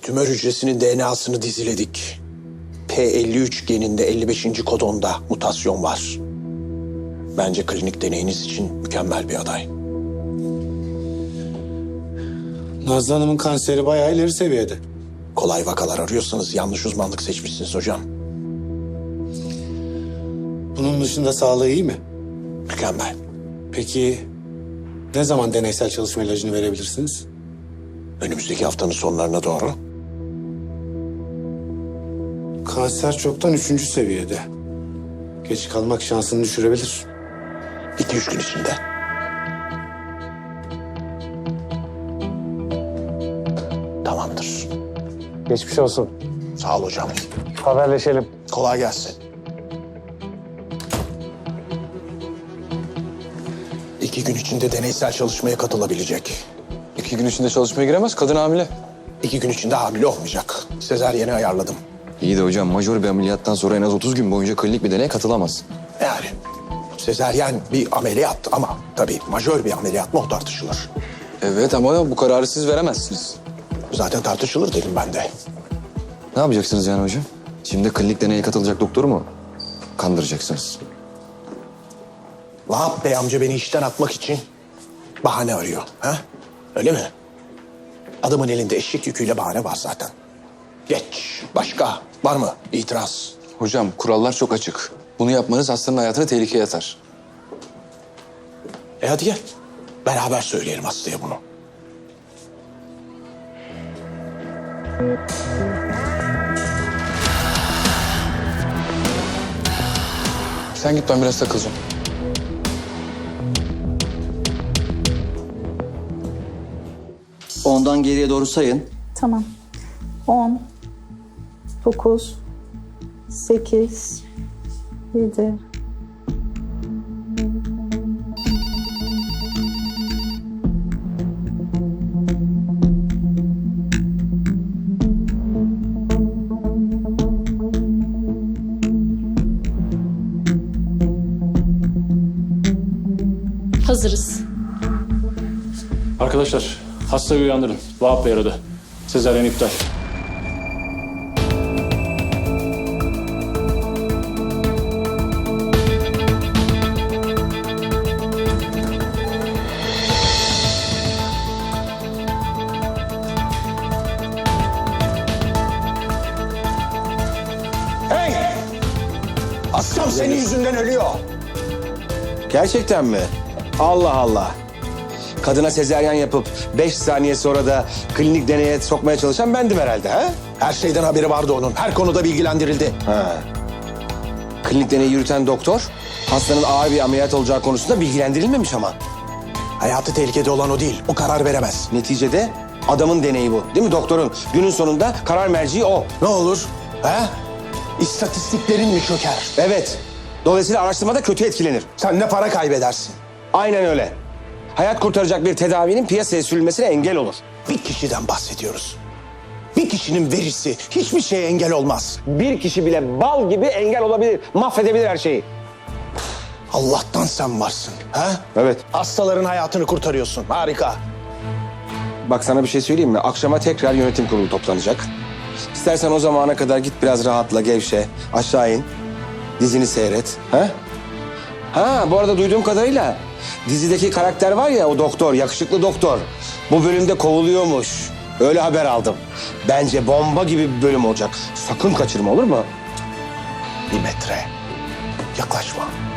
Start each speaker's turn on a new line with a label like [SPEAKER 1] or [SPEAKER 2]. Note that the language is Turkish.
[SPEAKER 1] Tümör hücresinin DNA'sını diziledik. P53 geninde 55. kodonda mutasyon var. Bence klinik deneyiniz için mükemmel bir aday.
[SPEAKER 2] Nazlı Hanım'ın kanseri bayağı ileri seviyede.
[SPEAKER 1] Kolay vakalar arıyorsanız yanlış uzmanlık seçmişsiniz hocam.
[SPEAKER 2] Bunun dışında sağlığı iyi mi?
[SPEAKER 1] Mükemmel.
[SPEAKER 2] Peki ne zaman deneysel çalışma ilacını verebilirsiniz?
[SPEAKER 1] Önümüzdeki haftanın sonlarına doğru.
[SPEAKER 2] Kanser çoktan 3. seviyede. Geç kalmak şansını düşürebilir.
[SPEAKER 1] 2-3 gün içinde. Tamamdır.
[SPEAKER 2] Geçmiş olsun.
[SPEAKER 1] Sağ ol hocam.
[SPEAKER 2] Haberleşelim.
[SPEAKER 1] Kolay gelsin. 2 gün içinde deneysel çalışmaya katılabilecek.
[SPEAKER 3] 2 gün içinde çalışmaya giremez, kadın hamile.
[SPEAKER 1] 2 gün içinde hamile olmayacak. Sezaryeni ayarladım.
[SPEAKER 3] İyi de hocam, majör bir ameliyattan sonra en az 30 gün boyunca klinik bir deneye katılamaz.
[SPEAKER 1] Yani sezaryen bir ameliyat ama tabii majör bir ameliyat mı o tartışılır.
[SPEAKER 3] Evet ama bu kararı siz veremezsiniz.
[SPEAKER 1] Zaten tartışılır dedim ben de.
[SPEAKER 3] Ne yapacaksınız yani hocam? Şimdi klinik deneye katılacak doktoru mu kandıracaksınız?
[SPEAKER 1] Vahap Bey amca beni işten atmak için bahane arıyor. Ha? Öyle mi? Adamın elinde eşek yüküyle bahane var zaten. Geç. Başka var mı itiraz?
[SPEAKER 3] Hocam kurallar çok açık. Bunu yapmanız hastanın hayatını tehlikeye atar.
[SPEAKER 1] Hadi gel. Beraber söyleyelim hastaya bunu.
[SPEAKER 3] Sen git, ben biraz takılacağım.
[SPEAKER 4] Ondan geriye doğru sayın.
[SPEAKER 5] Tamam. 10, 9, 8, 7.
[SPEAKER 6] Hazırız.
[SPEAKER 7] Arkadaşlar, hastayı uyandırın. Vahap Bey aradı. Sezaryen iptal.
[SPEAKER 1] Hey! Hastam senin yüzünden ölüyor.
[SPEAKER 8] Gerçekten mi? Allah Allah. Kadına sezaryen yapıp 5 saniye sonra da klinik deneye sokmaya çalışan bendim herhalde ha?
[SPEAKER 1] Her şeyden haberi vardı onun. Her konuda bilgilendirildi.
[SPEAKER 8] Ha. Klinik deneyi yürüten doktor hastanın ağır bir ameliyat olacağı konusunda bilgilendirilmemiş ama.
[SPEAKER 1] Hayatı tehlikede olan o değil. O karar veremez.
[SPEAKER 8] Neticede adamın deneyi bu. Değil mi doktorun? Günün sonunda karar merciği o.
[SPEAKER 1] Ne olur? Ha? İstatistiklerin mi çöker?
[SPEAKER 8] Evet. Dolayısıyla araştırmada kötü etkilenir.
[SPEAKER 1] Sen ne para kaybedersin?
[SPEAKER 8] Aynen öyle. Hayat kurtaracak bir tedavinin piyasaya sürülmesine engel olur.
[SPEAKER 1] Bir kişiden bahsediyoruz. Bir kişinin verisi hiçbir şeye engel olmaz.
[SPEAKER 8] Bir kişi bile bal gibi engel olabilir. Mahvedebilir her şeyi.
[SPEAKER 1] Allah'tan sen varsın. Ha?
[SPEAKER 8] Evet.
[SPEAKER 1] Hastaların hayatını kurtarıyorsun. Harika.
[SPEAKER 8] Bak sana bir şey söyleyeyim mi? Akşama tekrar yönetim kurulu toplanacak. İstersen o zamana kadar git biraz rahatla, gevşe. Aşağı in. Dizini seyret. Ha? Ha, bu arada duyduğum kadarıyla dizideki karakter var ya, o doktor, yakışıklı doktor. Bu bölümde kovuluyormuş. Öyle haber aldım. Bence bomba gibi bir bölüm olacak. Sakın kaçırma, olur mu?
[SPEAKER 1] 1 metre. Yaklaşma.